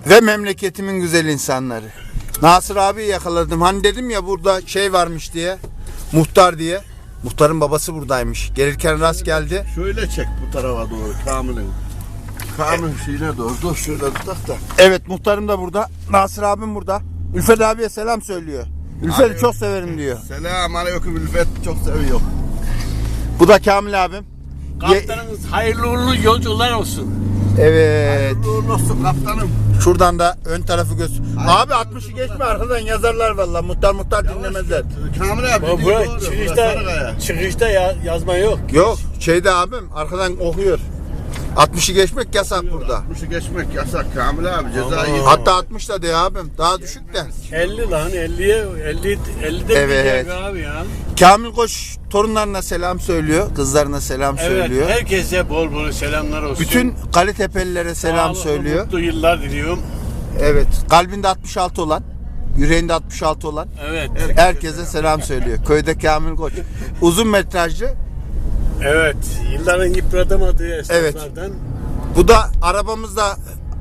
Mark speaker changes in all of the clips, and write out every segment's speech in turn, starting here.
Speaker 1: ve memleketimin güzel insanları. Nasır abi yakaladım. Hani dedim ya burada şey varmış diye. Muhtar diye. Muhtarın babası buradaymış. Gelirken rast geldi.
Speaker 2: Şöyle çek bu tarafa doğru Kamil'in. Kamil'in şeyine doğru. Dur şöyle tutak da.
Speaker 1: Evet, muhtarım da burada. Nasır abim burada. Ülfet abiye selam söylüyor. Ülfet'i çok severim diyor.
Speaker 2: Selam aleyküm Ülfet, çok seviyor.
Speaker 1: Bu da Kamil abim.
Speaker 3: Kaptanımız hayırlı uğurlu yolcular olsun.
Speaker 1: Evet.
Speaker 2: Hayırlı uğurlu olsun kaptanım.
Speaker 1: Şuradan da ön tarafı göster. Abi 60'ı geçme, arkadan yazarlar vallahi. Muhtar dinlemezler.
Speaker 2: Kamil abi dediğin
Speaker 3: Buraya
Speaker 2: doğru. Burası
Speaker 3: çıkışta,
Speaker 2: Sarıkaya.
Speaker 3: çıkışta yazma yok.
Speaker 1: Yok, şeyde abim arkadan okuyor. 60'ı geçmek yasak burada.
Speaker 2: 60'ı geçmek yasak Kamil abi, cezayı.
Speaker 1: Hatta 60 da diyor abim. Daha düşük de.
Speaker 3: 50 lan 50'ye 50'de
Speaker 1: Evet.
Speaker 3: bir abi ya.
Speaker 1: Kamil Koç torunlarına selam söylüyor. Kızlarına selam söylüyor.
Speaker 3: Evet, herkese bol bol selamlar olsun.
Speaker 1: Bütün Kalitepelilere selam
Speaker 3: Sağlıklı,
Speaker 1: söylüyor.
Speaker 3: mutlu yıllar diliyorum.
Speaker 1: Evet. Kalbinde 66 olan, yüreğinde 66 olan
Speaker 3: Evet.
Speaker 1: herkese selam söylüyor. Köyde Kamil Koç. Uzun metrajlı.
Speaker 3: Evet. Yılların yıpratamadığı esnaflardan.
Speaker 1: Bu da arabamızda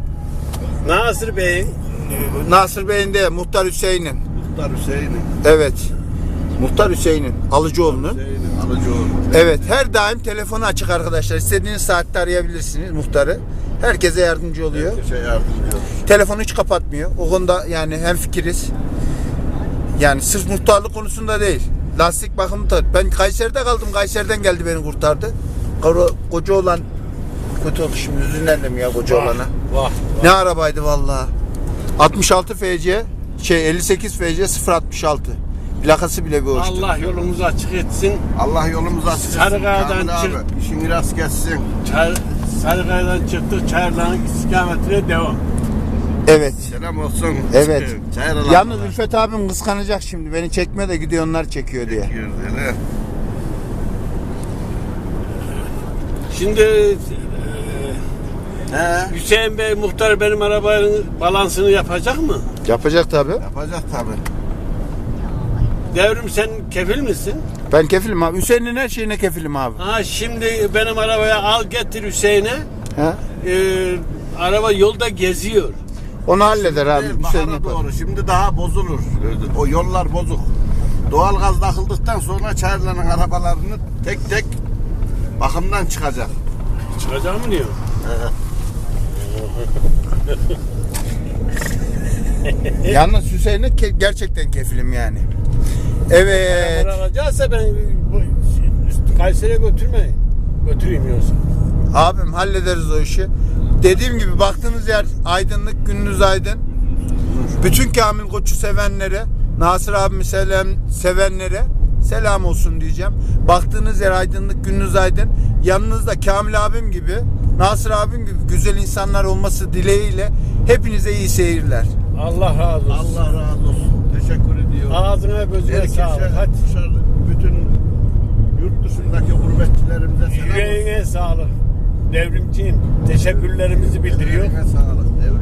Speaker 3: Nasır Bey'in
Speaker 1: Nasır Bey'in de Muhtar Hüseyin'in.
Speaker 2: Muhtar Hüseyin'in.
Speaker 1: Evet. Muhtar Hüseyin'in. Alıcıoğlu'nun.
Speaker 2: Hüseyin'in Alıcıoğlu.
Speaker 1: Evet. Her daim telefonu açık arkadaşlar. İstediğiniz saatte arayabilirsiniz muhtarı. Herkese yardımcı oluyor.
Speaker 2: Herkese yardımcı olur.
Speaker 1: Telefonu hiç kapatmıyor. O konuda yani hemfikiriz. Yani sırf muhtarlık konusunda değil. Lastik bakımı da. Ben Kayseri'de kaldım. Kayseri'den geldi beni kurtardı. Koca olan kötü oldu şimdi. Üzüldüm ya koca olana.
Speaker 3: vah.
Speaker 1: Ne arabaydı vallahi. 66 FC 58 FC 066. Plakası bile bir hoştu.
Speaker 3: Allah yolumuzu açık etsin.
Speaker 2: Allah yolumuzu açık etsin.
Speaker 3: Sarıkaya'dan
Speaker 2: Kamil abi,
Speaker 3: çık.
Speaker 2: İşin rast geçsin.
Speaker 3: Sarıkaya'dan çıktık. Çayırların istikametine devam.
Speaker 1: Evet.
Speaker 2: Selam olsun.
Speaker 1: Evet.
Speaker 2: Çayırlar.
Speaker 1: Yalnız Ülfet abim kıskanacak şimdi. Beni çekme de gidiyor onlar çekiyor diye.
Speaker 2: Öyle.
Speaker 3: Şimdi
Speaker 2: He.
Speaker 3: Hüseyin Bey muhtar benim arabanın balansını yapacak mı?
Speaker 1: Yapacak tabi.
Speaker 2: Yapacak tabii.
Speaker 3: Devrim sen kefil misin?
Speaker 1: Ben kefilim abi. Hüseyin'in her şeyine kefilim abi.
Speaker 3: Ha şimdi benim arabaya al getir Hüseyin'e.
Speaker 1: Ha?
Speaker 3: Araba yolda geziyor.
Speaker 1: Onu halleder abi.
Speaker 2: Değil,
Speaker 1: Hüseyin
Speaker 2: bahara
Speaker 1: yapar.
Speaker 2: doğru. Şimdi daha bozulur. O yollar bozuk. Doğalgaz takıldıktan sonra Çayırların arabalarını tek tek bakımdan çıkacak.
Speaker 3: Çıkacak mı diyor?
Speaker 1: Yalnız Hüseyin'e gerçekten kefilim yani. Evet.
Speaker 3: Araba alacaksa ben Kayseri'ye götürmeyin. Götüreyim yoksa.
Speaker 1: Abim hallederiz o işi. Dediğim gibi baktığınız yer aydınlık, gününüz aydın. Bütün Kamil Koç'u sevenlere, Nasır abimi sevenlere selam olsun diyeceğim. Baktığınız yer aydınlık, gününüz aydın. Yanınızda Kamil abim gibi, Nasır abim gibi güzel insanlar olması dileğiyle hepinize iyi seyirler.
Speaker 3: Allah razı olsun.
Speaker 2: Allah razı olsun. Teşekkür ediyorum.
Speaker 3: Ağzına gözüne
Speaker 2: Herkese,
Speaker 3: sağlık. Hadi.
Speaker 2: dışarı, bütün yurt dışındaki gurbetçilerimize selam olsun.
Speaker 3: Yüreğine sağlık. Devrimciyim. Teşekkürlerimizi bildiriyor.
Speaker 2: Yüreğine sağlık.